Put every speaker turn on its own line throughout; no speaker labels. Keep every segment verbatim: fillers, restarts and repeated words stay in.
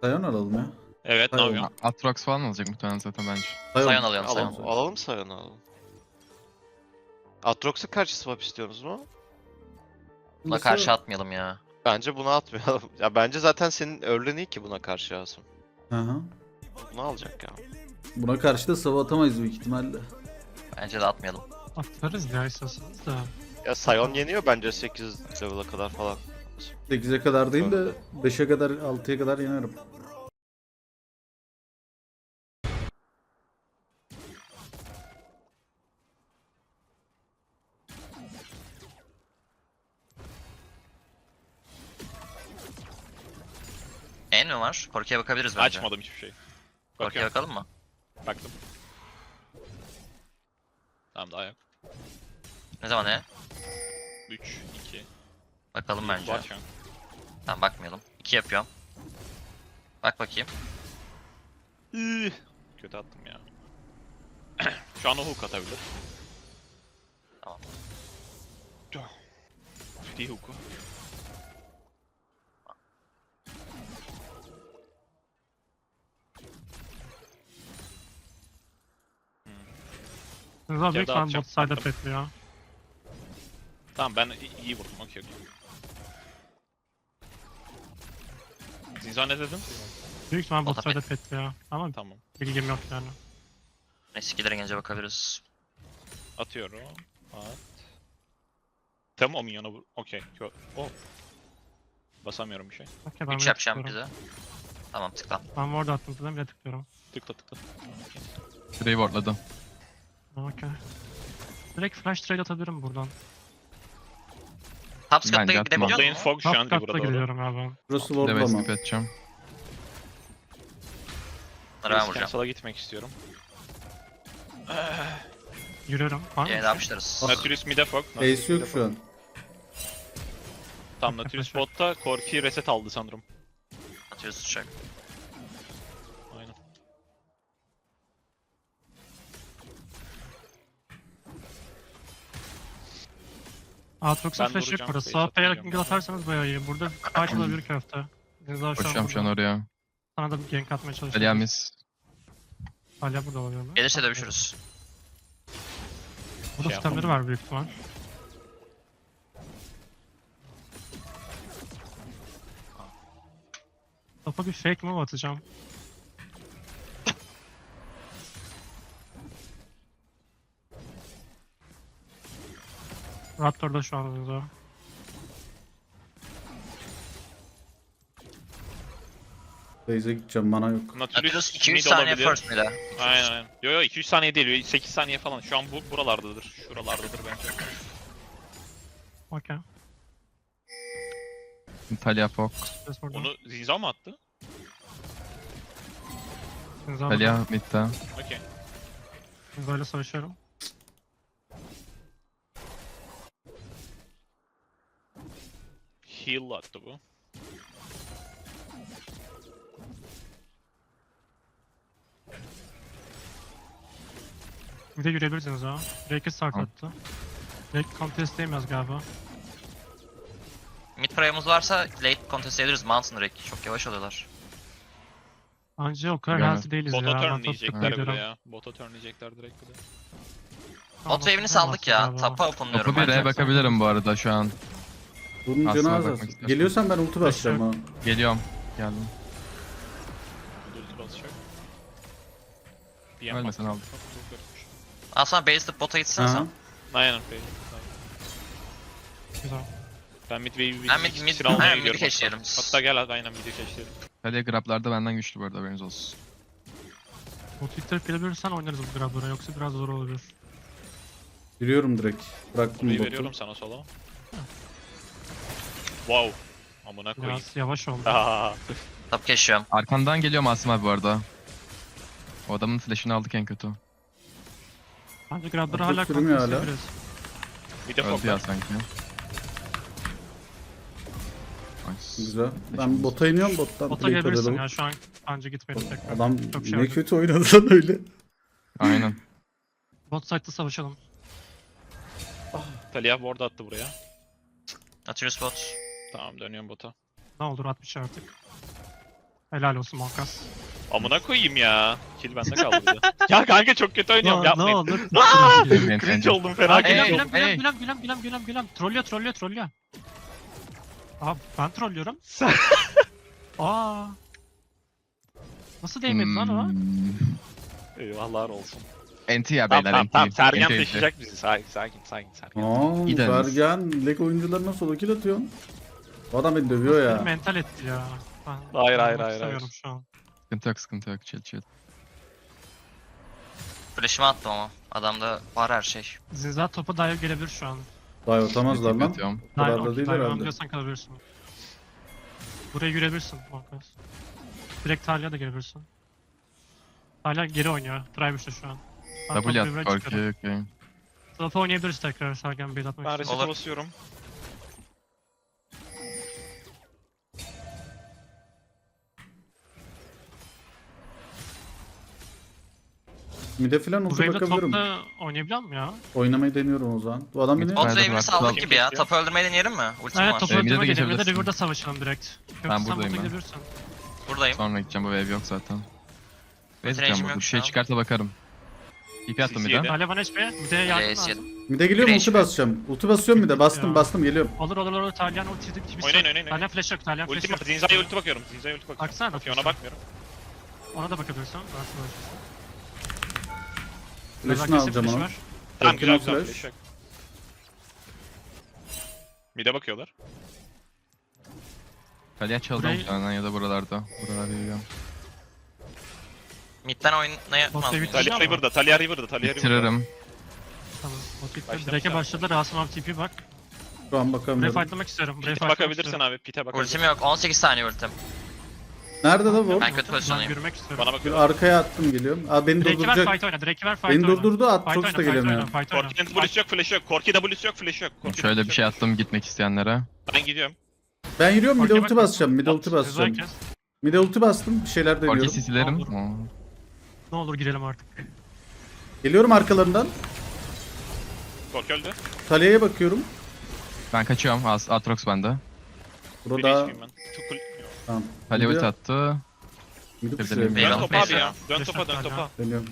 Sion alalım ya.
Evet, ne
Sion.
yapıyorsun?
Atrox falan alacak muhtemelen zaten bence.
Sion alıyorum,
Sion.
Sion.
Alalım Sion'u alalım. Atrox'a karşı swap istiyorsunuz mu?
Buna karşı atmayalım ya.
Bence bunu atmayalım. Ya bence zaten senin early'in iyi ki buna karşı Asım.
Hı hı.
Bunu alacak ya.
Buna karşı da sava atamayız büyük ihtimalle.
Bence de atmayalım.
Atarız ya istiyorsanız da.
Ya Sion yeniyor bence sekiz level'a kadar falan.
sekize kadar değil de beşe kadar altıya kadar yenerim.
En mi var? Korku'ya bakabiliriz bence.
Açmadım hiçbir şey.
Korku'ya
Bakıyorum.
bakalım mı?
Baktım. Tamam, daha yok.
Ne zaman ne?
üç, iki.
Bakalım bence.
Var şu an.
Tamam, bakmayalım. iki yapıyorum. Bak bakayım.
Üh, Kötü attım ya. Şu an o hook atabilir.
Tamam.
Free hook'u.
Rıza büyük
daha
fan
atacağım.
bot side'a
Attım.
petliyor.
Tamam, ben i- iyi vurdum. Okey okey. Zinzan ne dedim?
Büyük ihtimal bot
Bota
side'a petliyor. Ama
Tamam.
bilgim yok yani.
Eskilere gelince bakabiliriz.
Atıyorum. At. Tamam, o minyona vur. Okey. Kö- Oh. Basamıyorum bir şey.
Okey ben
üç
bile
yapacağım
tıklıyorum.
bize. Tamam, tıkla.
Ben ward attım zaten bile tıklıyorum.
Tıkla tıkla.
Free wardladım.
Okey. Direkt flash trade atabilirim buradan.
Top scott'a
Bence
gidebiliyor
atma.
Lane
musun?
Fog şu
Top
an
cut'ta
burada doğru.
gidiyorum abi ben.
Burası
Bir de
wardlama.
skip edeceğim.
Bunları ben
Base
vuracağım.
Cancel'a gitmek istiyorum.
Yürüyorum. Var mı?
Yine de yapıştırırız.
Nautilus mid'e Fog.
Ace yok şu an.
Tam Nautilus botta. Corki reset aldı sanırım.
Atıyoruz uçak.
Aynen.
Aatrox'un
Ben
flash'ı yok
vuracağım,
burası.
base
Sağ P'ye
atacağım.
mingle atarsanız bayağı iyi. Burada fight olabilir köfte. Rıza şu an
Koşuyorum şu an
burada.
oraya.
Sana da bir gank atmaya çalışıyorum.
Aliamis.
Hala burada oluyor mu?
Gelirse dövüşürüz.
Burada
Şey
sistemleri
yapalım.
var büyük ihtimal. Topa bir fake move atacağım. Raptor da şu an orada.
Base'e gideceğim, mana yok.
Nautilus
Nautilus
iki üç
mid
saniye
olabilir.
first mid'e.
Aynen aynen. Yo yo iki üç saniye değil. sekiz saniye falan. Şu an bu buralardadır. Şuralardadır bence.
Okey.
Talia Fog.
Biz burada.
Onu Zinzan mı attı?
Zinza'la
Talia mid'de.
Okey.
Zinza'yla savaşıyorum.
Heal attı bu.
Bir de yürüyebilirsiniz ha. Drake'i start
Tamam.
attı. Drake contestleyemez galiba.
Mid pray'ımız varsa late contest edebiliriz. Mountain Drake. Çok yavaş oluyorlar.
Anca o kadar
Yani.
healthy değiliz
Bota
ya. Ben
turn
top
diyecekler bir de
gidiyorum.
ya. Bota turn diyecekler direkt bir de.
Tamam,
Bot wave'ini
bota
saldık ya.
galiba.
Tapa openlıyorum
Topu bir
bence.
R'ye bakabilirim bu arada şu an.
Bunun
Aslına
canı az
bakmak
az.
istersen.
Geliyorsan ben ulti basacağım ha.
Geliyorum. Geldim.
Ulti basacak. Bir
Ölmesen aldım.
Aslında base'de bota gitsen
Aha.
sen.
Aynen. Bey.
Güzel.
Ben mid wave'i
Ben mid- mid-
silah almaya
aynen,
gidiyorum.
mid'i
hatta.
keşleyelim.
Hatta gel hadi aynen mid'i keşleyelim.
Talia grablarda benden güçlü bu arada, haberiniz olsun.
Bot ittirip gelebilirsen oynarız bu grablara yoksa biraz zor olabilir.
Yürüyorum direkt. Bıraktım
Burayı
botu.
veriyorum sana sola. Wow. Amına koyayım.
Biraz yavaş oldu.
Aa,
Top keşiyorum.
Arkandan geliyor Masum abi bu arada. O adamın flash'ını aldık en kötü.
Bence grablara
Atıp
hala
sürmüyor hala.
contestleyebiliriz.
bir de
Öldü ya
fok.
sanki. Nice.
Güzel. Ben bota iniyorum, bottan
Bota
plate
gelebilirsin
alalım.
ya şu an anca gitmeyelim tekrar.
Adam
Çok şey
ne
oldu.
kötü oynadı lan öyle.
Aynen.
Bot side'da savaşalım.
Talia ward attı buraya.
Nautilus bot.
Tamam, dönüyorum bota.
Ne olur atmış artık. Helal olsun Monkas.
Amına koyayım ya. Kill bende kaldı bir de. Ya kanka çok kötü oynuyorum
Ne
yapmayın.
olur.
Cringe oldum fena
Aa,
cringe
Gülem
oldum.
gülem
hey.
gülem gülem gülem gülem gülem. Trollüyor trollüyor trollüyor. Abi ben trollüyorum.
Sen-
Aa. Nasıl değmedi lan o?
Hmm.
Eyvahlar olsun.
Enti ya
Tamam
beyler
tamam
enti.
tamam Sergen
Enti, enti.
taşıyacak bizi. Sakin sakin sakin Sergen.
Aa,
İyi dediniz.
Sergen, leg oyuncularına solo kill atıyorsun. Bu adam beni dövüyor
Beni
ya.
mental etti ya. Ben
Hayır, hayır,
oynamak
hayır,
istemiyorum
hayır.
şu an.
Sıkıntı yok sıkıntı yok chill chill.
Flash'ımı attım ama. Adamda var her şey.
Zinza topa dive gelebilir şu an.
Vay atamazlar lan.
Atıyorum.
Bu kadar
Dive,
da değil
dive
herhalde.
alabiliyorsan kalabilirsin. Buraya girebilirsin Monkas. Direkt Talia da girebilirsin. Talia geri oynuyor. Drive işte şu an. Ben
W
topu
at
birbirine
Korki
çıkarım.
okey.
Topu oynayabiliriz tekrar Sergen Bey'de atmak
Ben
için.
reset'e
Olur.
basıyorum.
Mide falan
Bu
ulti
wave'de
bakabilirim.
topla oynayabiliyor muyum ya?
Oynamayı deniyorum o zaman. Bu adam beni...
Mid-
Bot
Nerede
wave'ini
var?
saldık
Tamam.
gibi ya. Topu öldürmeyi deneyelim mi? Ultim
Evet
var.
topu
Ee, mid'e de
öldürme gelelim ya da
geçebilirsin.
River'da savaşalım direkt. Yoksa
Ben
sen
buradayım
bota
ben.
gidebilirsin.
Buradayım.
Sonra gideceğim bu wave yok zaten. Base
Range'im
atacağım
yok
burada. Bir
şu
şey
an.
çıkarsa bakarım. T P attım
C
bir
C'de.
de.
Talia bana H P. Bir de yardım
Reis
lazım.
yedim.
Mide geliyorum
Güneş
ulti
mi?
basacağım. Ulti basıyorum mide. Bastım
Ya.
bastım geliyorum.
Olur olur olur. Talyan ulti gibi.
Oynayın, oynayın,
Talyan flash yok. Talyan flash
Ultim
yok.
var. Zinza'ya ulti bakıyorum. Zinza'ya ulti bakıyorum.
Baksana.
Okey ona bakmıyorum.
Ona da bakabilirsin. Ben sana bakacağım.
Flash'ını alacağım onu.
Tamam
Ultim
güzel
var,
güzel.
flash.
Flash yok. Mid'e bakıyorlar.
Kaleye çaldım
Burayı-
muhtemelen ya da buralarda. Buralarda yürüyorum.
Mid'den oynayamaz
Bot
mıyız?
wave'i
Talia
ama.
River'da. Talia River'da. Talia River'da.
Bitiririm.
Tamam. Bot bitti.
Başlamış
Drake'e
abi.
başladı. Rasim abi T P bak.
Şu an
Buraya
bakamıyorum.
fightlamak istiyorum. Buraya
Pite
fightlamak
bakabilirsin
istiyorum.
abi. Pite bakabilirsin.
Ultim yok. on sekiz saniye ultim.
Nerede da bu?
Ben kötü
Ben
pozisyondayım.
yürümek istiyorum.
Bana
Bir
bakıyor.
arkaya attım geliyorum. Aa beni
Drake'i ver
durduracak.
fight oyna. Drake'i ver fight
Beni
oyna.
durdurdu.
Fight
Atrox
oyna,
da
fight oyna,
gelemiyor.
fight oyna.
Korki'nin W'si yok, flash'ı yok. Korki W'si yok, flash'ı yok. Korki
Şöyle bir
W'si
şey
yok.
attım gitmek isteyenlere.
Ben gidiyorum.
Ben yürüyorum mide
Korki'ye
ulti
bak.
basacağım. Mide ulti
At,
basacağım.
Zinza'yı kes.
Mide ulti bastım. Bir şeyler
Korki
deniyorum.
sisilerim.
Olur.
Oo.
Ne olur girelim artık.
Geliyorum arkalarından.
Korki öldü.
Talia'ya bakıyorum.
Ben kaçıyorum. As Atrox bende.
Bir
Burada...
H P'yim ben. Çok cool.
Tamam.
Talia
Mide-
ulti attı.
Mide
Dedim,
pushlayayım.
Eyvah.
Dön topa abi
Eyvah.
ya. Dön
Flash
topa, dön
atlar
topa.
Deniyorum.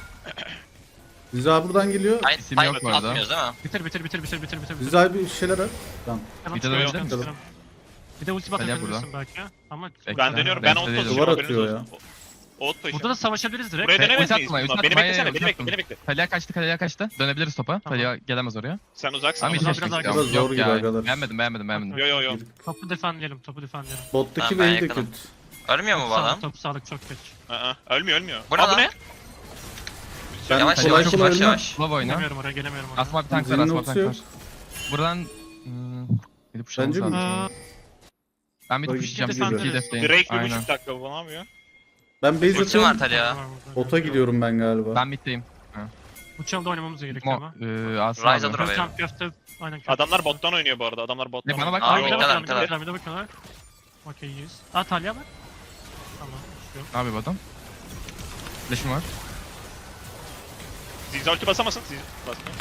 Ziza buradan geliyor.
Hayır,
İsim
hayır,
yok bu arada.
atmıyoruz değil mi?
Bitir bitir bitir bitir bitir bitir.
Ziza bir şeyler at. Tamam.
Tamam,
Bir de
çıkıyorum,
dönebilir
çıkıyorum. Bir de ulti
Talia
bakabilirsin belki. Ama
Bekle.
Ben dönüyorum. Ben
Ben
ot
de
taşıyorum.
duvar
haberiniz
atıyor
olsun. O- Ot taşıyorum.
burada da savaşabiliriz direkt.
Buraya
Ulti
dönemez miyiz?
atma, ulti
Beni
atma,
beklesene,
hayır,
beni
ulti
bekle,
attım.
beni bekle.
Talia kaçtı, Talia kaçtı. Dönebiliriz topa.
Tamam.
Talia gelemez oraya.
Sen uzaksın
Ama
ama.
bir
biraz
şey
daha
çekeceğim.
biraz zor
Yok
gibi
ya.
arkadaşlar.
Beğenmedim, beğenmedim, beğenmedim.
Yo yo yo.
Topu defendleyelim, topu defendleyelim.
Bottaki
Tamam, ben
wave de
yakınım.
kötü.
Ölmüyor mu bu
Sağlık,
adam?
top sağlık çok kötü.
Aa, ölmüyor ölmüyor.
Bu ne
Aa, bu
lan?
ne?
Ben
Yavaş
kolay
yavaş
kolay
yavaş
ölmem.
yavaş.
Slow oyna.
Gelemiyorum oraya, gelemiyorum oraya.
Asma bir tank var,
Zilin
asma bir
ultisi
tank
yok.
var. Buradan... Hmm, gidip
Bence
pushlamamız
mi?
lazım.
Aa,
Ben bir
Böyle
pushlayacağım.
gideceğiz,
Bizimkiyi
sen de.
defleyin.
Drake bir
Aynen.
buçuk dakika bu ne yapıyor?
Ben base
Ultim var
atıyorum.
Talia.
var burada.
Bota gidiyorum ben galiba.
Ben middeyim.
Bu çalda oynamamız gerekiyor
Mo,
ama.
eee Asma
Rise
abi.
alır.
Köfte, köfte, aynen köfte.
Adamlar bottan oynuyor bu arada. Adamlar bottan
Ne, bana bak.
oynuyor.
Aa,
Aa, bir de
middeler,
bakıyorlar, bir de
middeler.
bakıyorlar, bir de bakıyorlar. Okey, iyiyiz. Aa, Talia var. Tamam, düşüyor.
Ne yapıyor bu adam? Flash'ım var.
Zinza ulti basamasın. Zinza basmıyor.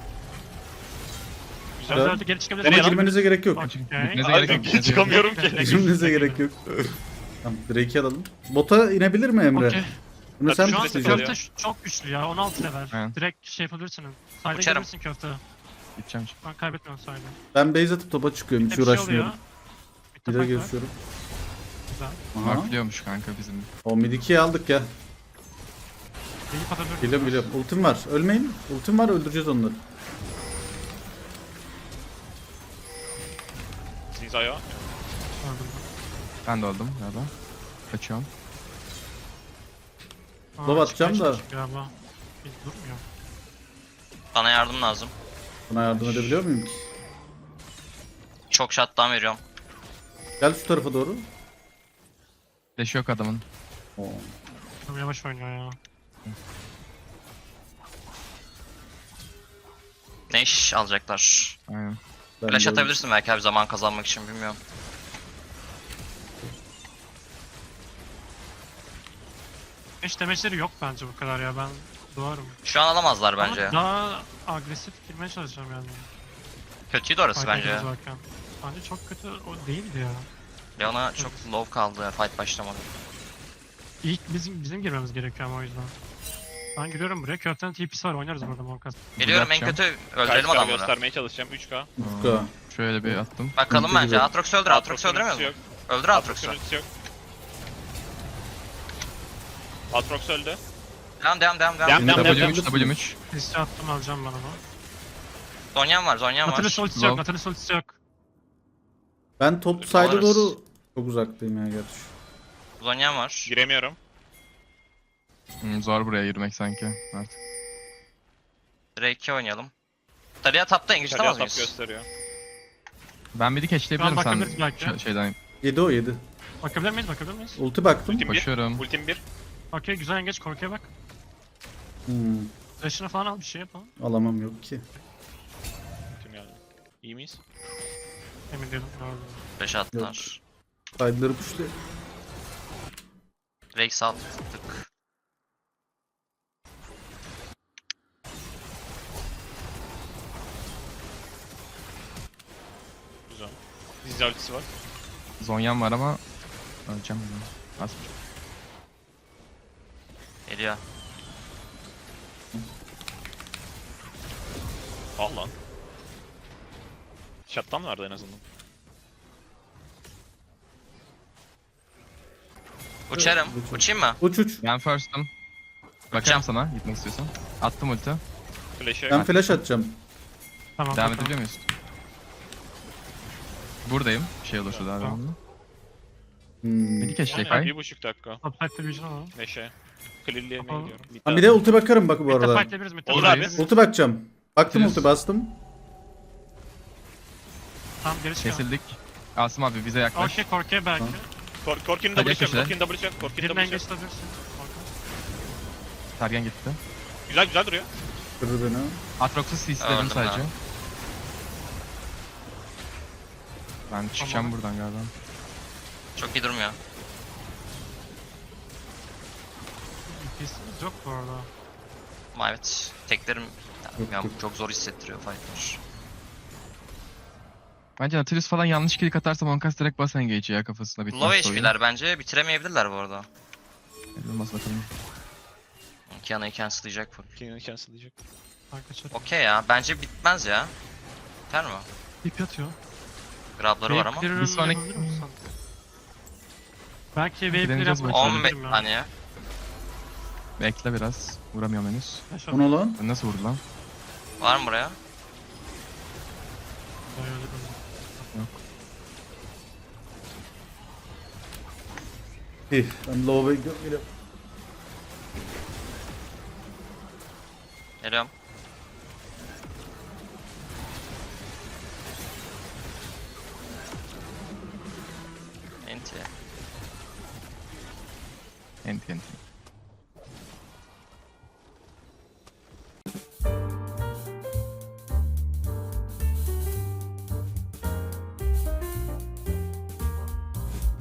Güzel.
Evet.
Özellikle geri çıkabiliriz.
Nereye
Ama
lan?
girmenize gerek yok.
Okey.
Gitmenize
Abi
gerek yok.
ben çıkamıyorum ki.
Girmenize gerek yok. Tamam Drake'i alalım. Bota inebilir mi Emre?
Okey.
Bunu sen
Şu
Şu an
an
tutlayacaksın.
oluyor.
köfte ş- çok güçlü ya, on altı level.
Aynen.
Direkt şey yapabilirsin. Sayda
Uçarım.
gelirsin köfte.
Gideceğim.
Ben kaybetmiyorum sayda.
Ben base atıp topa çıkıyorum. Hiç
Bir şey oluyor.
uğraşmıyorum.
Bir
Bir de
tabak var.
geçiyorum.
Güzel.
Aha.
Markliyormuş kanka bizim.
O mid ikiyi aldık ya.
İyi patabilirim.
Biliyorum biliyorum. Ultim var. Ölmeyin. Ultim var öldüreceğiz onları.
Zinza'ya.
Öldüm
Ben de öldüm galiba. Kaçıyorum.
ben. Aa,
Lob atacağım
çıkmaya
da.
çalışıyor Galiba. Biz durmuyor.
Bana yardım lazım.
Buna yardım edebiliyor muyum ki?
Çok shutdown veriyorum.
Gel şu tarafa doğru.
Flash yok adamın.
Oo.
Çok yavaş oynuyor ya.
Ne iş alacaklar?
Aynen.
Ben
Flash
de-
atabilirsin belki abi zaman kazanmak için bilmiyorum.
Hiç demeçleri yok bence bu kadar ya, ben doğarım.
Şu an alamazlar bence.
Ama daha agresif girmeye çalışacağım yani.
Kötüydü orası
Fight'a
bence.
girerken. Bence çok kötü o değildi ya.
Leona çok low kaldı ya, fight başlamadı.
İlk bizim bizim girmemiz gerekiyor ama o yüzden. Ben giriyorum buraya. Köftenin T P'si var. Oynarız burada Monkas.
Geliyorum en
yapacağım.
kötü öldürelim
Kaç K
adamları.
göstermeye çalışacağım. üç K.
üç K.
Şöyle bir attım.
Bakalım
Sıkıntı
bence.
gibi.
Aatrox öldür. Aatrox öldüremiyor
ultisi
mu?
yok.
Öldür
Aatrox'un
Aatrox'u.
ultisi yok. Aatrox öldü.
Devam devam devam devam.
Devam, devam, devam,
W
devam.
üç, W üç.
Liste attım alacağım ben onu.
Zonya'm var, Zonya'm var.
Nautilus ultisi yok.
Low.
Nautilus ultisi yok.
Ben top side'a
Alırız.
doğru çok uzaktayım ya gerçi.
Zonya'm var.
Giremiyorum.
Hmm, zor buraya yürümek sanki artık.
Drake'e oynayalım. Talia tapta engage
Talia
tutamaz
tap
mıyız?
gösteriyor.
Ben bir de catchleyebilirim
Şu an
sen
bakabiliriz belki.
ş- şeyden.
yedi o yedi.
Bakabilir miyiz? Bakabilir miyiz?
Ulti baktım.
Ultim bir.
Koşuyorum.
Ultim bir.
Okey güzel engage. Korkuya bak.
Hmm,
Flash'ını falan al bir şey yapalım.
alamam yok ki.
Ultim geldi. İyi miyiz?
Emin değilim. Gördüm.
Flash attılar.
Side'ları pushlu.
Drake sağ tık.
Güzel. Dizli ultisi var.
Zonya'm var ama öleceğim bunu. Az bir şey.
Geliyor.
Al lan. Shutdown vardı en azından.
Uçarım.
Uç, uç.
Uçayım mı?
Uç uç.
Ben first'ım. Bakarım
Uçacağım.
sana gitmek istiyorsan. Attım ulti.
Flash'e
Ben flash atacağım.
Tamam.
Devam
bakalım.
edebiliyor muyuz? Buradayım. Şey olursa daha
Tamam.
devamlı.
Hmm.
Bir de catch
Aynen,
Defy.
bir buçuk dakika.
Upside'de vision alalım.
Neşe. Clear'lemeye
Kapalı.
gidiyorum. Bitti
Ha, bir
abi.
de ulti bakarım bak bu
Mid'de
arada.
fightleyebiliriz. Mid'de
Olur
fightleyebiliriz.
abi.
Ulti bakacağım. Baktım
Bitiriz.
ulti bastım.
Tamam geri çıkalım.
Kesildik. Asım abi bize yaklaş.
Okey korkuya belki.
Tamam.
Kor Korkin'in
Hadi
W'si yok.
köşede.
Korkin'in W'si yok. Korkin'in
Birine
W'si
engage
yok.
tutabilirsin. Korkun.
Sergen gitti.
Güzel güzel duruyor.
Kırdı beni.
Atrox'u CC'ledim
Öldüm
sadece.
ben.
Ben çıkacağım
Tamam.
buradan galiba.
Çok iyi durmuyor.
İkisimiz yok bu arada.
Ama evet. Teklerim
Yok,
ya,
yok.
çok zor hissettiriyor fightlar.
Bence Nautilus falan yanlış kill atarsa Monkas direkt bas engage'i ya kafasına bitmez.
Low H P'ler bence bitiremeyebilirler bu arada.
Olmaz bakalım.
Kiana'yı cancel'layacak bu.
Korkin'ini cancel'layacak.
Ben kaçarım.
Okey ya. Bence bitmez ya. Biter mi?
Tip yatıyor.
Grabları var ama.
Wave
Bir sonraki-
clear'ı yapabilir misin? Belki wave clear
deneyeceğiz
yapmak
bakalım.
on beş
isteyebilirim ya.
saniye.
Bekle biraz. Vuramıyorum henüz.
Flash
O ne lan?
Nasıl vurdu lan?
Var mı buraya?
İyi. Ben low'a gidiyorum.
Geliyorum. Enti.
Enti enti.